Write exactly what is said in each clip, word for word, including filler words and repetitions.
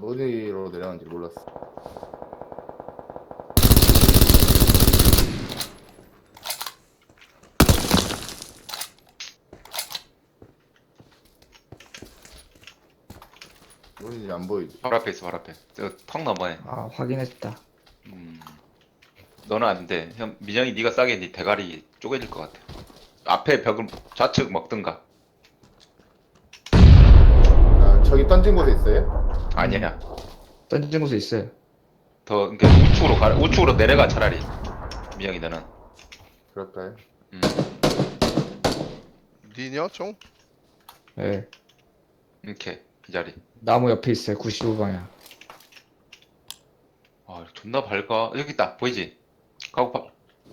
어디로 내려가는지 몰랐어. 어딘지 안 보이지? 바로 앞에 있어, 바로 앞에. 저턱 넘어에. 아, 확인했다. 음. 너는 안 돼. 형, 민영이 네가 싸게 네 대가리 쪼개질 것 같아. 앞에 벽을 좌측 먹든가. 아, 저기 던진 곳에 있어요? 아니야. 던진 곳에 있어요. 더, 그러니까 우측으로 가, 우측으로 내려가, 차라리. 민영이 너는. 그럴까요? 음. 니냐 총? 예. 이렇게, 이 자리. 나무 옆에 있어요. 구십오 방향. 아, 존나 밝아. 여기 있다. 보이지? 가고파.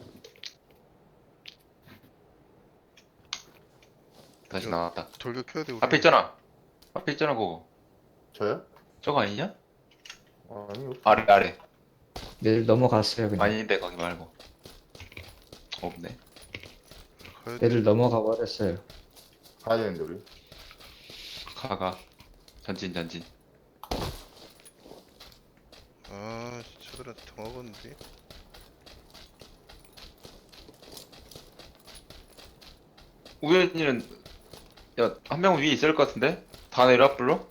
다시 야. 나왔다. 돌격 켜야 돼 우리. 앞에 있잖아. 앞에 있잖아, 그거. 저요? 저거 아니냐? 아니요. 아래, 아래. 내일 넘어갔어요, 그냥. 아닌데, 거기 말고. 없네. 가야 돼. 내일 넘어가 버렸어요. 가야 되는데 우리. 가, 가. 전진, 전진. 아 저들한테 당하겠는데. 우연이는, 야, 한 명은 위에 있을 것 같은데? 다 내려와, 불러?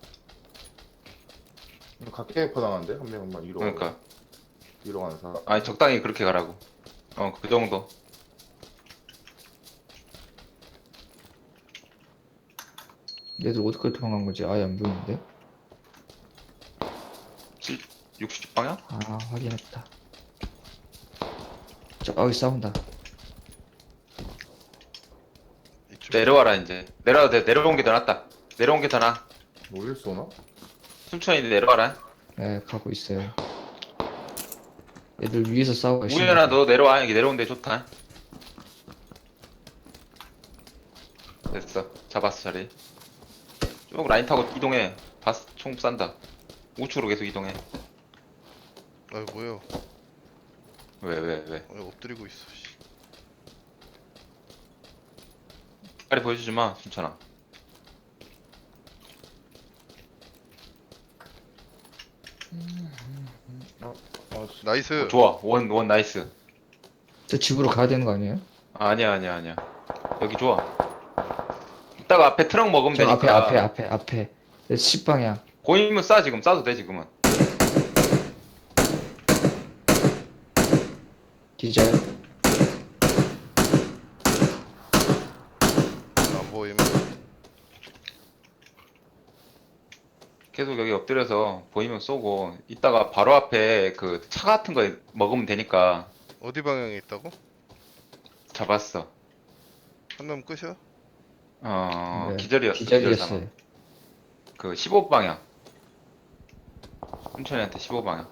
각계 퍼당하는데 한 명만 위로. 그러니까. 위로 가는 사람. 아니, 적당히 그렇게 가라고. 어, 그 정도. 얘들 어디까지 도망간 거지? 아예 안 보이는데? 육십 방향? 아, 확인했다. 저기 싸운다. 이쪽. 내려와라, 이제. 내려와도 돼. 내려온 게 더 낫다. 내려온 게 더 나아. 어딜 쏘나? 순천이 내려와라. 네, 가고 있어요. 얘들 위에서 싸우고 있어. 우연아, 너 내려와. 여기 내려온 데 좋다. 됐어. 잡았어, 자리. 쭉 라인 타고 이동해. 바스 총 싼다. 우측으로 계속 이동해. 아 뭐야? 왜, 왜, 왜? 아, 엎드리고 있어. 씨. 빨리 보여주지 마, 순천아. 어, 어, 씨. 나이스. 어, 좋아. 원, 원 나이스. 저 집으로 가야 되는 거 아니에요? 아, 아니야, 아니야, 아니야. 여기 좋아. 이따가 앞에 트럭 먹으면 저 되니까. 앞에, 앞에, 앞에, 앞에. 십 방향. 고이면 싸, 지금. 싸도 돼, 지금은. 기절. 안 보임. 계속 여기 엎드려서 보이면 쏘고, 이따가 바로 앞에 그 차 같은 거 먹으면 되니까. 어디 방향에 있다고? 잡았어. 한 놈 끝이야? 어, 네, 기절이었어. 기절 상황. 기절이었어요. 그 십오 방향. 순천이한테 십오 방향.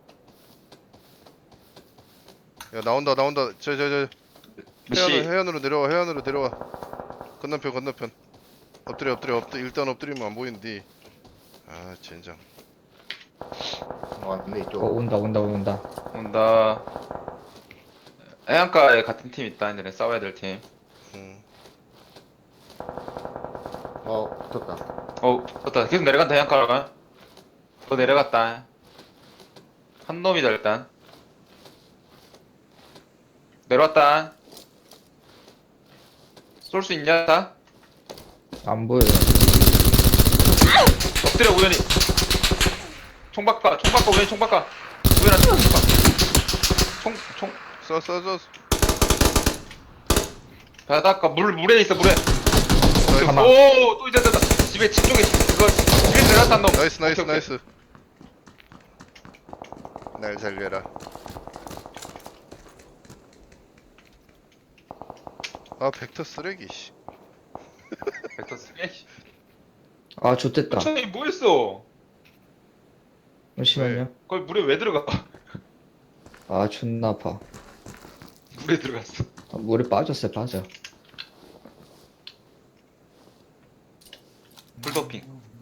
야 나온다 나온다. 저 저 저 미씨, 해안으로 해안으로 내려와 해안으로 내려와. 건너편 건너편. 엎드려 엎드려 엎드려. 일단 엎드리면 안 보이는데. 아 젠장. 어, 왔네 이쪽. 어, 온다, 온다, 온다. 온다. 해안가에 같은 팀 있다. 얘네 싸워야 될 팀. 음. 어, 붙었다. 어, 좋다. 계속 내려간다, 해안가가. 더 내려갔다. 한 놈이다, 일단. 내려왔다. 쏠 수 있냐, 다? 안 보여요. 엎드려, 우연히. 총 바꿔, 총 바꿔, 우연히 총 바꿔. 우연아, 총 바꿔. 총, 총. 쏴 쏴 쏴. 바닷가, 물, 물에 있어, 물에. 가만. 오, 또 이제 됐다. 집에, 집 쪽에, 그거, 집에 내려왔다, 놈. 나이스 나이스 오케이, 오케이. 나이스. 날 살려라. 아 벡터 쓰레기 씨. 벡터 쓰레기. 아, 좋됐다. 천천히 뭐 했어? 잠시만요. 거기 물에 왜 들어가? 아, 존나 아파. 물에 들어갔어. 아, 물에 빠졌어요, 빠져. 풀도핑.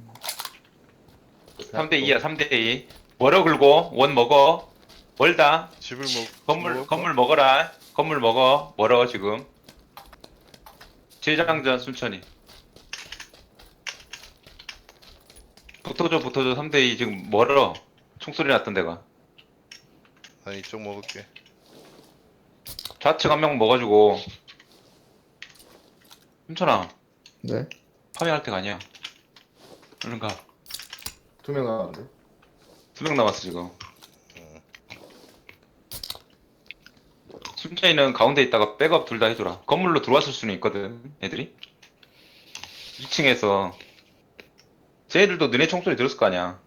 삼 대 이야, 삼 대 이. 멀어 긁고, 원 먹어. 멀다. 집을 먹 건물, 먹을까? 건물 먹어라. 건물 먹어. 멀어, 지금. 재장전 순천이. 붙어줘 붙어줘 삼 대 이 지금 멀어. 총소리 났던 데가. 난 이쪽 먹을게. 좌측 한 명 먹어주고. 힘천아 네. 파밍할 때가 아니야. 얼른 가. 투명 나왔는데. 두 명 남았어 지금. 순자이는 가운데 있다가 백업 둘 다 해줘라. 건물로 들어왔을 수는 있거든 애들이. 이 층에서 쟤들도 너네 총소리 들었을 거 아니야.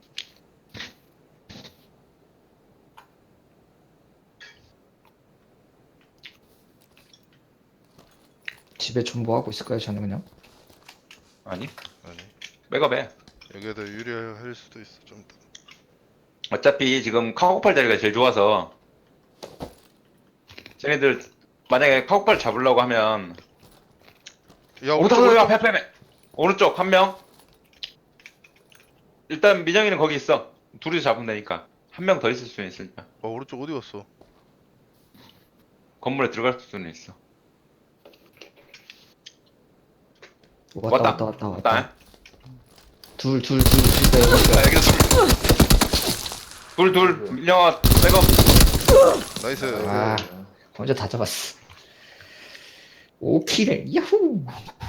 집에 존버하고 있을까요? 저는 그냥. 아니 아니 백업해. 여기에다 유리할 수도 있어 좀. 이따. 어차피 지금 카고팔 자리가 제일 좋아서 쟤네들 만약에 카고팔 잡으려고 하면 야 오른쪽 오른쪽 앞에 앞에 앞에 오른쪽 한 명. 일단 민영이는 거기 있어. 둘이서 잡으면 되니까 한 명 더 있을 수는 있으니까 아 오른쪽 어디 갔어? 건물에 들어갈 수는 있어. 왔다 왔다. 왔다 왔다 왔다. 왔다. 둘 둘 둘 둘. 네, 아, 여기서 둘. 둘, 둘. 민영아, 백업. 나이스. 아. 혼자 다 잡았어. 오 킬을 야후.